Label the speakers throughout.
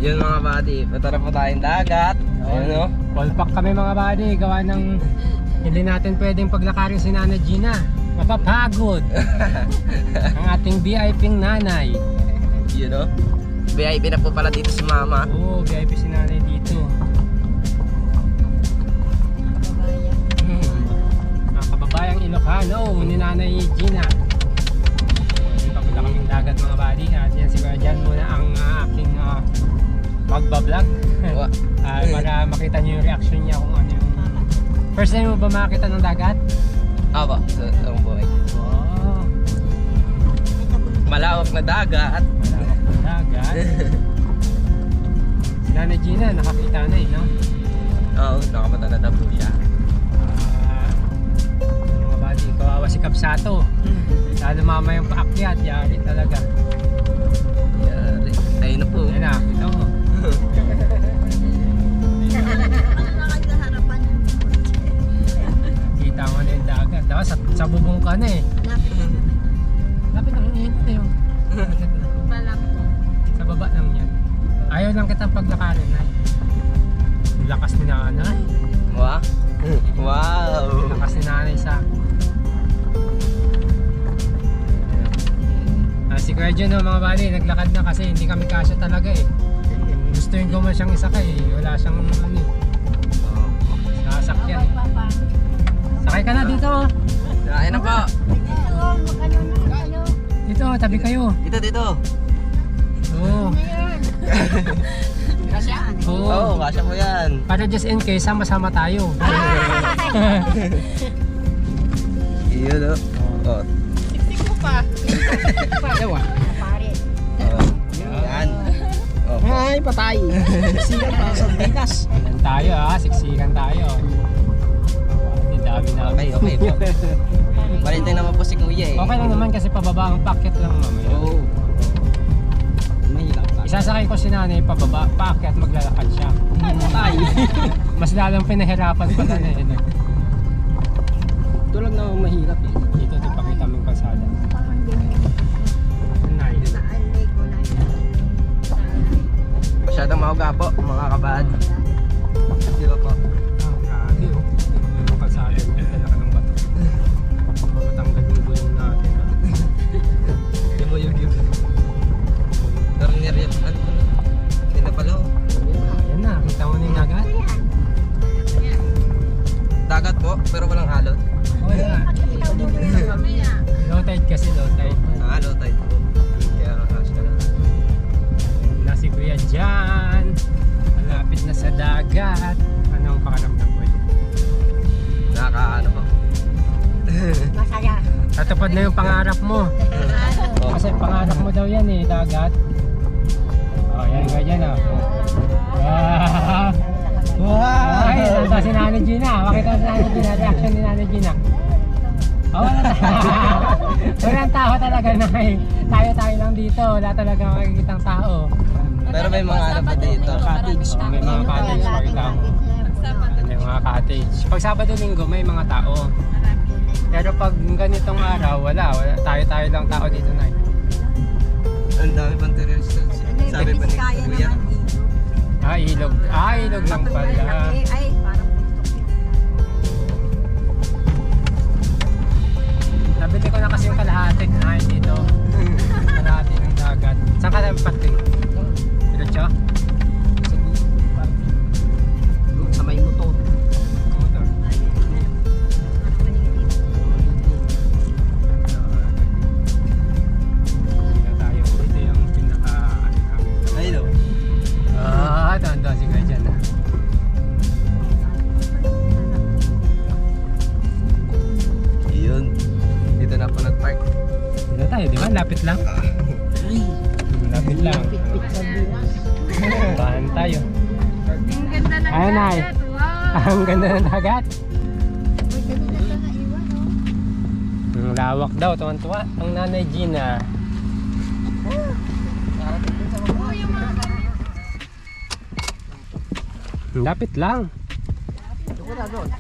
Speaker 1: Yun mga buddy, patara po tayong dagat. Ayun o.
Speaker 2: Full pack kami mga buddy, gawa ng hindi natin pwedeng paglakarin si Nanay Gina. Mapapagod. Ang ating VIP-ng nanay.
Speaker 1: Yun o. VIP na po pala dito si mama.
Speaker 2: Oo, VIP si nanay dito. Mga kababayang Ilocano ni Nanay Gina. Papunta kaming dagat mga buddy. At yan siguro dyan muna ang aking magbablog. Para makita nyo yung reaction niya kung ano yung... First time mo ba makakita ng dagat?
Speaker 1: Aba, sa buhay.
Speaker 2: Oh,
Speaker 1: Malawak na dagat.
Speaker 2: malawak ng dagat. Si Nanay Gina nakakita na no?
Speaker 1: Oo, nakapatala na po siya.
Speaker 2: Mga buddy, kawawa si Kapsato. Lalo mama yung paakyat, yari talaga.
Speaker 1: Yari. Ayun na po.
Speaker 2: Ayun na, kita mo. Kita mo na yung dagat. Dapat sa bubong ka na eh. Lapit lang yung na yun. Sa baba lang yan. Ayaw lang kitang paglakarin na. Yung lakas ni nanay.
Speaker 1: Wow. Wow.
Speaker 2: Yung lakas ni nanay sa... Si Kuya John, mga bali, naglakad na kasi hindi kami kasya talaga eh. Gustuin ko man siyang isakay eh. Wala siyang ano eh. Sasakyan eh. Sakay ka na dito.
Speaker 1: Ayun na po.
Speaker 2: Dito, tabi kayo.
Speaker 1: Dito.
Speaker 2: Oo.
Speaker 1: Oo,
Speaker 2: Oo.
Speaker 1: kasya po yan.
Speaker 2: Para just in case, sama-sama tayo.
Speaker 1: Yun o. Oh.
Speaker 2: Ewa.
Speaker 1: Yan. Oh.
Speaker 3: Ay, patay. Sigan pa sa Pinas.
Speaker 2: Yan tayo siksikan tayo. Hindi dami na.
Speaker 1: Okay po. Balintay naman po si Kuya eh.
Speaker 2: Okay lang naman kasi pababa ang packet lang mamaya.
Speaker 1: Oo.
Speaker 3: Mahirap ka.
Speaker 2: Isasakay ko si nanay pababa, packet maglalakad siya.
Speaker 3: Patay.
Speaker 2: Mas lalong pinahirapan pala na eh.
Speaker 3: Ito lang naman mahirap eh.
Speaker 2: Dito pakita mo yung kalsada. Nice.
Speaker 1: Masyadong mahuga po mga kabad. Dito po.
Speaker 2: Grabe oh. Yung kalsada mo, dala ka ng bato. Matanggal yung gulong natin.
Speaker 1: Hindi mo yung Turner yan. Ano po na? Hindi na pala oh.
Speaker 2: Ayan na, kita mo na yung dagat.
Speaker 1: Dagat po, pero walang alon.
Speaker 2: Wala. Low tide kasi, low tide.
Speaker 1: Alon tayo po. Kaya kasya na.
Speaker 2: Nasi Kuya dyan. Malapit na sa dagat. Anong pakaramdam ko yun?
Speaker 1: Nakakaano po.
Speaker 4: Masaya.
Speaker 2: Tatupad na yung pangarap mo.
Speaker 1: Oh.
Speaker 2: Kasi pangarap mo daw yan eh, dagat. Oh, yan ka dyan oh. Wow! Ay, nandun si Nanay Gina. Makita si Nanay Gina. Reaction ni Nanay Gina. Oh, wala walang tao talaga na eh. Tayo-tayo lang dito. Wala talaga makikitang tao.
Speaker 1: Pero may mga ano pa dito.
Speaker 3: Cottage.
Speaker 2: Oh, may mga cottage. Makita mo. May mga cottage. Pag Sabado-Linggo, may mga tao. Pero pag ganitong araw, wala. Tayo-tayo lang tao dito na eh.
Speaker 1: Ang dami pang terrorista. Sabi pa ni Kuya.
Speaker 2: Ilog. Ilog lang pala.
Speaker 4: Ay, parang
Speaker 2: Nabili ko na kasi yung kalahati na dito. Kalahati ng dagat. Saan ka naman pating? Diretso?
Speaker 3: Sa may motor.
Speaker 2: Motor. Hindi na tayo. Ito yung pinaka namin.
Speaker 1: Ayun o.
Speaker 2: Doon si Kuya dyan.
Speaker 1: Yun. Dito na po nag-park.
Speaker 2: Dito tayo, di ba? Lapit lang. Lapit lang. Tahan tayo.
Speaker 4: ang ganda ng
Speaker 2: Ayun, Nay.
Speaker 4: dagat. Wow.
Speaker 2: Ang ganda ng dagat.
Speaker 4: Uy, kanina ka naiwan, oh.
Speaker 2: Ang lawak daw, tuwan-tuwa. Ang Nanay Gina.
Speaker 4: Oh, yung mga ganyan.
Speaker 2: Lapit lang.
Speaker 3: Doon na doon.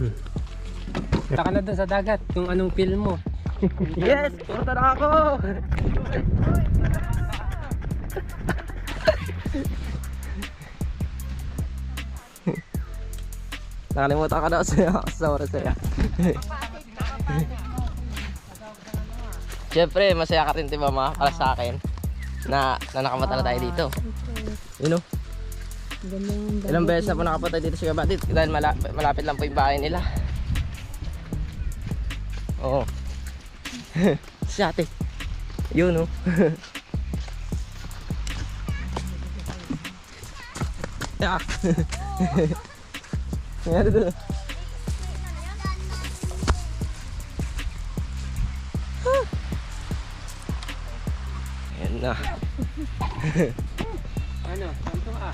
Speaker 2: Punta ka na dun sa dagat kung anong feel mo.
Speaker 1: Yes! Punta na ako! Nakalimutan ka na sa oras saya. Siyempre, masaya ka rin, diba ma? Para sa akin na nakamata na tayo dito. You know? Ilang beses na po nakapunta dito sa Gabatit dahil malapit lang po yung bahay nila. Oo. Si ate. Yun, no? Yeah. Nangyari doon. Ayan na.
Speaker 2: Ano? Santo ah.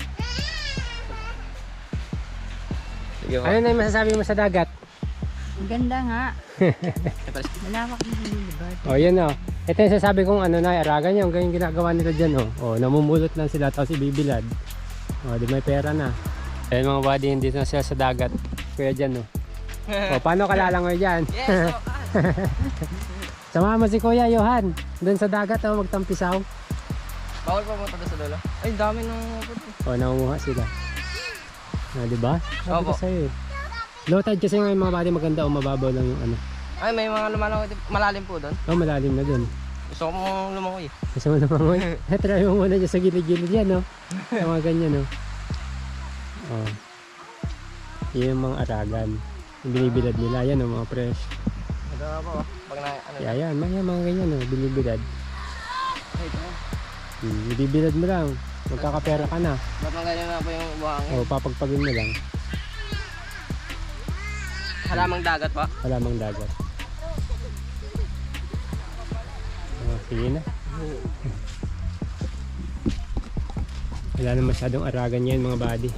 Speaker 1: Sige mo.
Speaker 2: Ano na yung masasabi mo sa dagat?
Speaker 4: Ang ganda nga. Malawak na nililibad.
Speaker 2: O yan o. Ito yung sasabi kong ano na, aragan nyo. Ganyan ginagawa nila dyan o. O, namumulot lang sila tapos ibibilad. O, di may pera na. Ayan mga buddy, hindi na sila sa dagat. Kuya dyan o. O, paano ka lalangoy dyan?
Speaker 1: Yes!
Speaker 2: Samahan mo si Kuya Johan. Doon sa dagat o, magtampisaw.
Speaker 1: Bawal pa punta doon sa lolo. Ay, dami nang puto.
Speaker 2: O, nangunguha sila. Di ba? Sabi ko
Speaker 1: Opo.
Speaker 2: sa'yo eh. Low tide kasi ngayon mga buddy, maganda o mababaw lang yung ano.
Speaker 1: Ay, may mga lumalangoy. Malalim po doon.
Speaker 2: O, malalim na doon.
Speaker 1: Gusto ko mong lumangoy.
Speaker 2: Gusto mo naman try mo muna dyan sa gilid-gilid yan, no? Sa mga ganyan, no? Oh. Yan yung mga aragan. Yung binibilad nila, yan, no? Mga fresh.
Speaker 1: Ito na po. Pag na, ano.
Speaker 2: Yan, mga ganyan, no? Binibilad.
Speaker 1: Ay, ito.
Speaker 2: Binibilad mo lang. Magkakapera ka na.
Speaker 1: Ba't nang ganyan na po yung buhangin?
Speaker 2: O, papagpagin mo lang.
Speaker 1: Halamang dagat pa.
Speaker 2: Wala mang dagat. Oh, sige na. Wala na masyadong aragan yan mga buddy.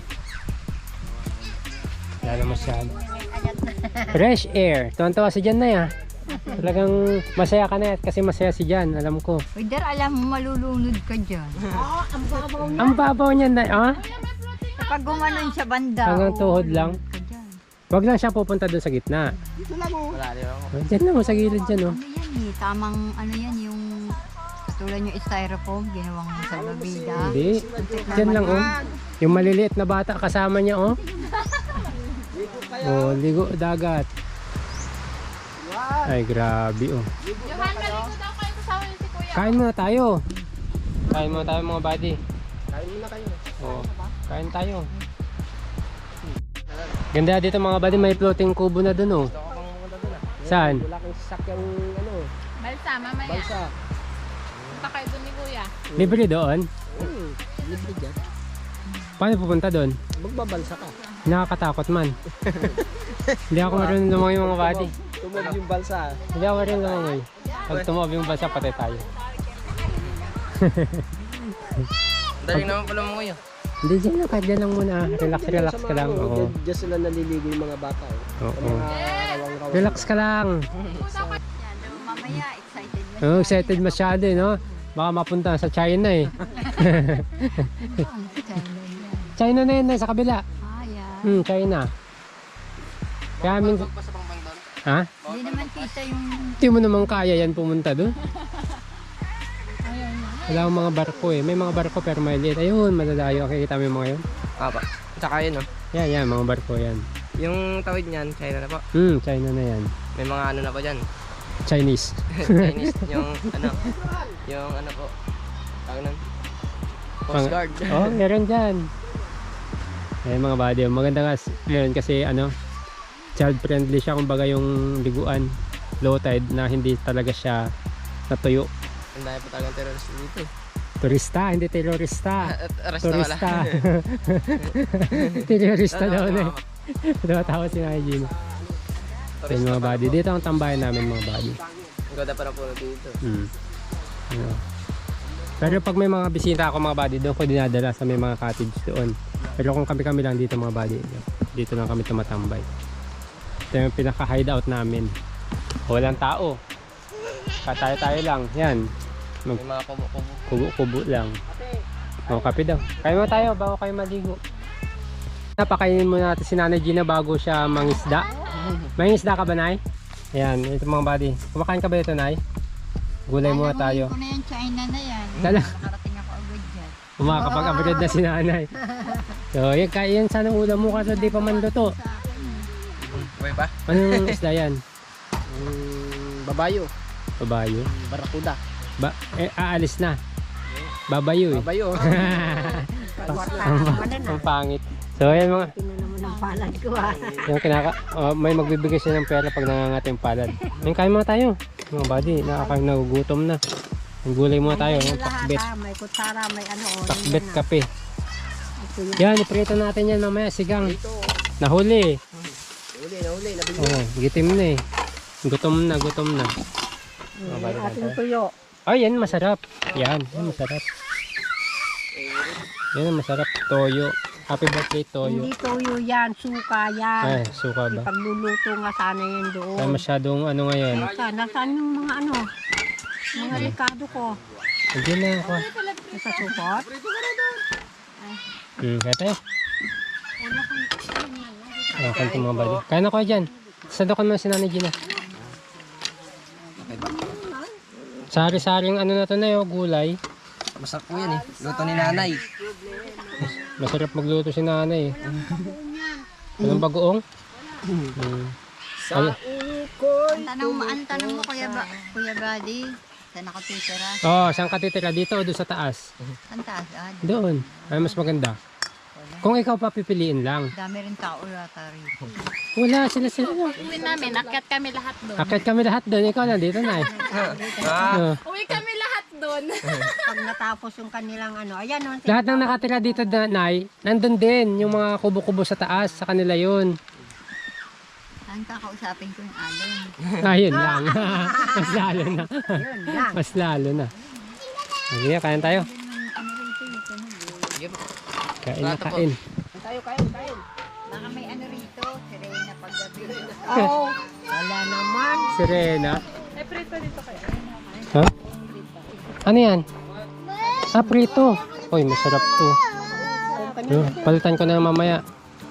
Speaker 2: Wala na masyado. Fresh air. Tuwan-tuwa si Jan na ya. Talagang masaya ka na kasi masaya si Jan. Alam ko.
Speaker 4: Wait, alam mo, malulunod ka dyan.
Speaker 2: Ang babaw niya na. Ah?
Speaker 4: Kapag gumanon sa banda.
Speaker 2: Hanggang tuhod lang.
Speaker 4: ka dyan.
Speaker 2: Wag lang siya pupunta doon sa gitna.
Speaker 1: Malalim ako.
Speaker 2: Oh, Diyan lang sa gilid dyan. Oh.
Speaker 4: Ano yan eh, tamang ano yan, yung katulad yung styrofoam, ginawang sa babida.
Speaker 2: Hindi. Diyan lang oh. Yung maliliit na bata kasama niya oh. Oh, ligo dagat. Ay, grabe oh.
Speaker 4: Johan, maligo daw kayo kasama yung si Kuya.
Speaker 2: Kain muna tayo. Kain muna tayo mga buddy.
Speaker 1: Kain muna kayo.
Speaker 2: Oh, kain tayo. Ganda dito mga buddy, may floating kubo na dun oh.
Speaker 1: Gusto ko pang pumunta doon ah.
Speaker 2: Saan?
Speaker 3: Wala kang sasakyang ano,
Speaker 4: Balsa, mamaya.
Speaker 3: balsa.
Speaker 4: Punta kayo doon ni Kuya.
Speaker 2: Libre doon?
Speaker 3: Libre dyan.
Speaker 2: Paano pupunta doon?
Speaker 3: Magbabalsa ka.
Speaker 2: Nakakatakot man. Hindi ako marunong lumangoy mga buddy.
Speaker 3: Tumog yung balsa.
Speaker 2: Hindi ako marunong lumangoy. Pag tumob yung basa, patay tayo.
Speaker 1: Daling naman pala mo ngayon.
Speaker 2: Hindi, dyan lang, kahit dyan lang muna. Relax ka lang. Oo.
Speaker 3: Diyan sila naliligo yung mga bata.
Speaker 2: Oo.
Speaker 3: Mga rawang-rawang.
Speaker 2: Relax ka lang.
Speaker 4: Yan, mamaya, excited na
Speaker 2: Oh, excited masyado eh, no? Baka mapunta sa China eh. China na yun, sa kabila.
Speaker 4: Ah, yan.
Speaker 2: China. Kaya minsan...
Speaker 1: Basta pang doon.
Speaker 2: Ha?
Speaker 4: Hindi naman kita yung...
Speaker 2: Hindi mo naman kaya yan pumunta doon. Wala akong mga barko eh. May mga barko pero maliit. Ayun, madadayo. Kita mo yung mga yun?
Speaker 1: Apa. Tsaka yun no.
Speaker 2: Yan, mga barko yan.
Speaker 1: Yung tawid niyan, China na po.
Speaker 2: China na yan.
Speaker 1: May mga ano na po dyan.
Speaker 2: Chinese.
Speaker 1: Chinese. Yung ano po. Tawag nun. Coast Guard.
Speaker 2: Oh, meron dyan. Eh mga buddy, maganda nga meron kasi ano, child friendly siya, kumbaga yung liguan low tide na hindi talaga siya natuyo.
Speaker 1: Ang dami po talagang terrorist dito eh.
Speaker 2: Turista, hindi terorista.
Speaker 1: Arresta wala.
Speaker 2: Turista. Terorista daw na eh. Tumatawa si Najin. So yung mga buddy, dito ang tambayan namin mga buddy.
Speaker 1: Ang ganda pa na po dito.
Speaker 2: Ano. Pero pag may mga bisita ako mga buddy, doon ko dinadala sa may mga cottage doon. Pero kung kami lang dito mga buddy, dito lang kami tumatambay. Ito yung pinaka-hideout namin. Walang tao. Tayo lang. Yan.
Speaker 1: May mga kubo-kubo.
Speaker 2: Kubo-kubo lang. O, kape daw. Kain mo tayo bago kayo maligo. Napakainin muna natin si Nanay Gina bago siya mangisda. May isda ka ba, Nay? Ayan, ito mga buddy. Kumakain ka ba ito, Nay? Gulay muna tayo.
Speaker 4: Ano yan, China na yan.
Speaker 2: Tala.
Speaker 4: Nakarating ako agad dyan.
Speaker 2: Kumakapag-upgrade na si Nanay. So, yan, kaya yan sana ulam mo kasi di pa man luto.
Speaker 1: Pwede ba?
Speaker 2: Anong isda yan?
Speaker 3: Babayo.
Speaker 2: Babayo?
Speaker 3: Barakuda.
Speaker 2: Aalis na. Babayo eh.
Speaker 3: Babayo.
Speaker 2: Ang pangit. So, ayan mga...
Speaker 4: Ang palad ko ah.
Speaker 2: Yung may magbibigay siya ng pera pag nangangat yung palad. Ayun, kain muna tayo. Mga buddy, nagugutom na. Ang gulay muna tayo. Yung pakbet.
Speaker 4: May kutsara, may ano.
Speaker 2: Pakbet kape. Yan, iprito natin yan mamaya. Sigang. Nahuli.
Speaker 3: Nahuli.
Speaker 2: Oh, gitim na eh. Gutom na.
Speaker 4: Ating tuyo.
Speaker 2: Ay, yan masarap. Yan masarap. Yan ang masarap. Toyo. Happy birthday, Toyo.
Speaker 4: Hindi tuyo yan, suka yan.
Speaker 2: Ay, suka ba?
Speaker 4: Pagluluto nga sana yan doon.
Speaker 2: Ay, masyadong ano ngayon.
Speaker 4: Nasaan yung mga ano? Mga likado ko.
Speaker 2: Hindi na ako.
Speaker 4: Sa supot?
Speaker 2: Kaya tayo. Kanto mga bali. Kaya na ko dyan. Sadokan mo si Nanay Gina. Sari-saring ano na to na gulay.
Speaker 1: Masarap po yan eh. Luto ni Nanay.
Speaker 2: Masarap magluto si Nanay eh. Walang bagoong?
Speaker 4: Ang tanong mo Kuya Buddy, saan nakatitira?
Speaker 2: Saan ka titira? Dito o doon sa taas?
Speaker 4: Ang taas,
Speaker 2: Doon. Ay, mas maganda. Kung ikaw papipiliin lang.
Speaker 4: dami rin tao yata rito.
Speaker 2: Wala, sila.
Speaker 5: Uwi namin, akyat kami lahat doon.
Speaker 2: Akit kami lahat doon. Ikaw nandito na eh.
Speaker 5: Uwi kami lahat doon.
Speaker 4: Pag natapos yung kanilang ano, ayan o.
Speaker 2: Lahat ng nakatira dito, Nay, nandun din. Yung mga kubo-kubo sa taas, sa kanila yun.
Speaker 4: Saan kakausapin ko yung alin?
Speaker 2: Ayun lang. Mas lalo na.
Speaker 4: Yun lang.
Speaker 2: Mas lalo na. Sige, kain tayo. Kain na kain.
Speaker 4: Baka may ano rito, sirena paggabi. Oh, wala naman.
Speaker 2: Sirena.
Speaker 5: Ay, prito dito kayo.
Speaker 2: Ha? Ano yan? Prito. Uy, masarap to. Palitan ko na mamaya.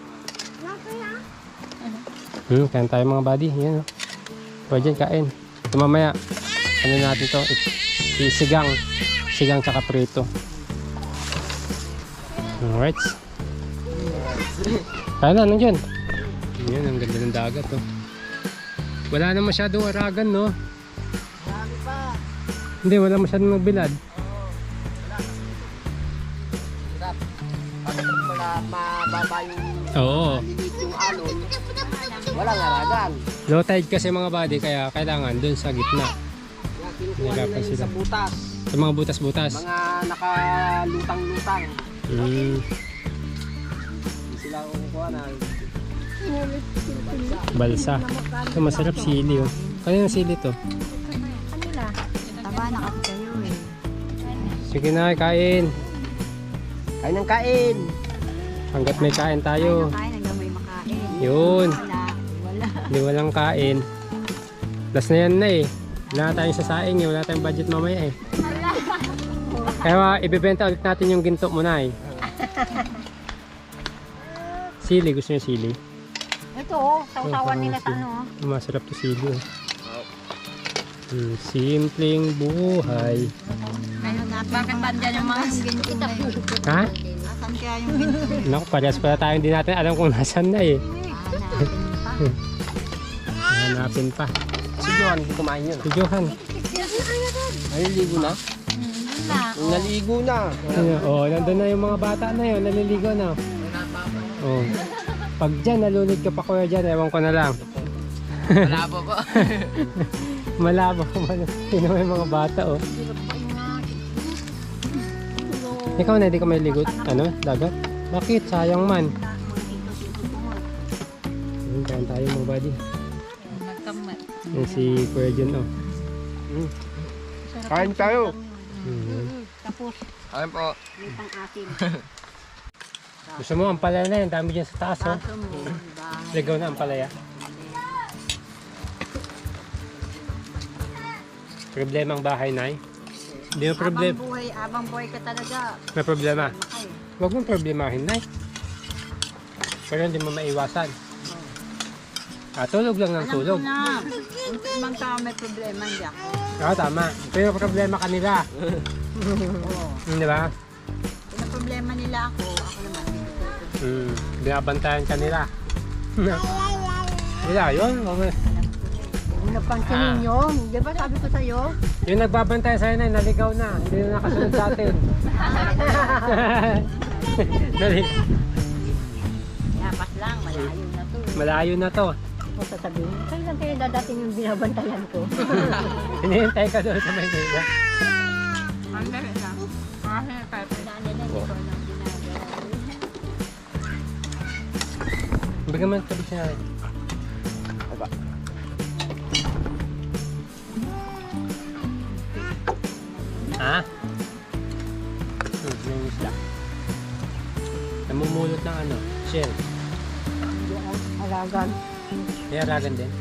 Speaker 2: Kain tayo mga buddy. Yan. Pwede dyan, kain. Ito mamaya. Ano natin to? Sigang. Sigang tsaka prito. Alright. Kaya na, nandiyan. Yan, ang ganda ng dagat oh. Wala na masyadong aragan, no? Hindi, wala masyadong nagbilad.
Speaker 3: Wala mababa yung
Speaker 2: Oo.
Speaker 3: lilit yung alon. Walang aragan.
Speaker 2: Low tide kasi mga buddy, kaya kailangan dun sa gitna.
Speaker 3: Kaya kinukuha
Speaker 2: Nilapay
Speaker 3: nila yun
Speaker 2: sila.
Speaker 3: sa butas.
Speaker 2: Sa mga butas-butas.
Speaker 3: Mga nakalutang-lutang. Hindi sila kukuha na.
Speaker 2: Balsa. Ito masarap sili oh. Kaya yung sili to.
Speaker 4: Taba na kasi kayo eh.
Speaker 2: Sige na, kain.
Speaker 3: Kain ng kain.
Speaker 2: Hanggat may kain tayo.
Speaker 4: Kain hanggang may makain.
Speaker 2: Yun.
Speaker 4: Wala.
Speaker 2: Hindi walang kain. Last na yan na eh. Wala na tayong sasaing eh. Wala tayong budget mamaya eh. Kaya ibebenta ulit natin yung ginto muna eh. Sili, gusto niyo sili?
Speaker 4: Ito oh, sausawan nila sa ano.
Speaker 2: Masarap to sili oh. Simpleng buhay.
Speaker 4: Ngayon natin.
Speaker 5: Bakit ba dyan yung mga
Speaker 4: ginto na yun?
Speaker 2: Ha?
Speaker 4: Nasaan kaya yung ginto?
Speaker 2: Naku, parehas pala tayo, hindi natin alam kung nasan na eh.
Speaker 4: Hanapin pa.
Speaker 2: Hanapin pa.
Speaker 3: Si Johan, hindi kumain yun.
Speaker 2: Si Johan.
Speaker 3: Naliligo na? Naligo na.
Speaker 2: Oh, nandun na yung mga bata na yun, naliligo na. Oh. Pag dyan, nalunod ka pa kuya dyan, ewan ko na lang.
Speaker 1: Malabo po.
Speaker 2: Malabo. Sino may mga bata oh. Ikaw na, di ka may ligot? Ano? Dagat? Bakit? Sayang man. Kain tayo mga buddy.
Speaker 5: nagkamay.
Speaker 2: Yan si Kuya John oh.
Speaker 3: Kain tayo.
Speaker 4: Tapos,
Speaker 1: Ayun po.
Speaker 4: may pang-asin.
Speaker 2: Gusto mo ang palaya na yan, dami dyan sa taas oh.
Speaker 4: Kaso mo, bahay.
Speaker 2: Ligaw na ang palaya. Problema ang bahay, Nay. Hindi mo problem.
Speaker 4: Abang buhay ka talaga.
Speaker 2: May problema.
Speaker 4: Ay,
Speaker 2: Huwag mong problemahin, Nay. Pero hindi mo maiwasan. Tulog lang ng tulog.
Speaker 4: Na, ibang tao may problema, hindi ako.
Speaker 2: Oo, tama. Pero problema kanila. Di ba?
Speaker 4: Kung problema nila ako naman.
Speaker 2: Binabantayan kanila. Wala yun. Okay.
Speaker 4: Kung napansinin nyo, di ba sabi ko sa'yo?
Speaker 2: Yung nagbabantay sa'yo na, naligaw na. Hindi na nakasunod sa atin.
Speaker 4: Yapas lang, malayo na to.
Speaker 2: Malayo na to.
Speaker 4: Kung sasabihin, kailan kayo dadating yung binabantayan ko?
Speaker 2: Hinihintay ka doon sa Maynila.
Speaker 5: Ang dali na. Kasi kahit
Speaker 4: Daan nila, hindi ko lang ginagawa.
Speaker 2: Bigyan mo ng tabi siya.
Speaker 1: Aba.
Speaker 2: Ha? Yung isda. Namumulot ng ano? Shell.
Speaker 4: Hindi ako alagan.
Speaker 2: Kaya ragan din.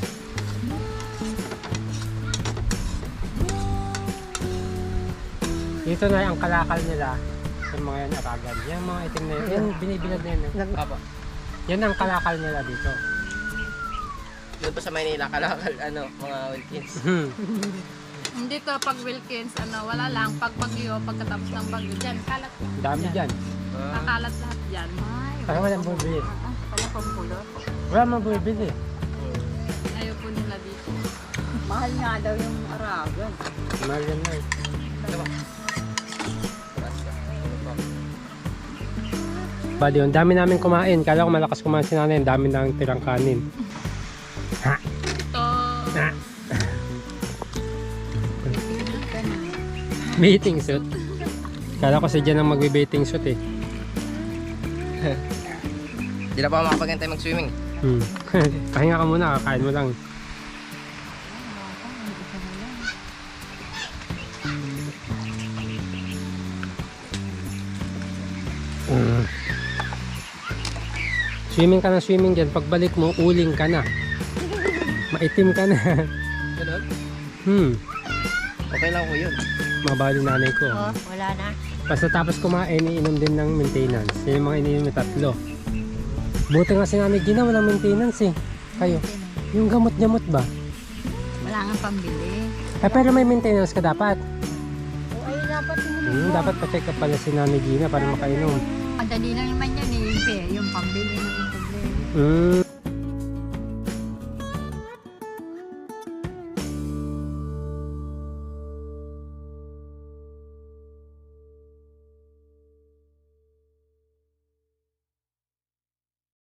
Speaker 2: Dito na ang kalakal nila. Yung mga yan aragan. Yan mga itim na yun. Yan binibilad na yun.
Speaker 1: Aba.
Speaker 2: Yan ang kalakal nila dito.
Speaker 1: Doon pa sa Maynila, kalakal, mga Wilkins.
Speaker 5: Hindi to pag Wilkins, wala lang. Pag bagyo, pagkatapos ng bagyo, dyan, kalat.
Speaker 2: Dami dyan.
Speaker 5: Kakalat lahat dyan.
Speaker 2: Kaya walang bumibili.
Speaker 4: Wala pang kulot.
Speaker 2: Wala mang bumibili.
Speaker 5: Ayaw po nila dito.
Speaker 4: Mahal nga daw yung aragan.
Speaker 2: Mahal yan na eh. Bali, ang dami namin kumain. Kala ko malakas kumain si nanay. Ang dami nang tirang kanin. Ha?
Speaker 5: Ito,
Speaker 2: Ha? Bathing suit. Kala ko si Jan ang magbe-bathing suit eh.
Speaker 1: Hindi na pa ako makapagantay mag-swimming.
Speaker 2: Pahinga ka muna, kakain mo lang. Swimming ka na swimming dyan. Pagbalik mo, uling ka na. Maitim ka na.
Speaker 1: Ganun? Okay lang ko yun.
Speaker 2: Mabali nanay ko.
Speaker 4: Oh, wala na.
Speaker 2: Basta tapos kumain, iinom din ng maintenance. Yan yung mga iniinom na tatlo. Buti nga si nanay Gina, walang maintenance eh. Kayo, yung gamot-gamot ba?
Speaker 4: Wala nga pambili.
Speaker 2: Pero may maintenance ka dapat.
Speaker 4: O ay dapat yung
Speaker 2: Dapat pa-check up pala si nanay Gina para makainom.
Speaker 4: madali lang naman yan eh. Yung pambili ng problema.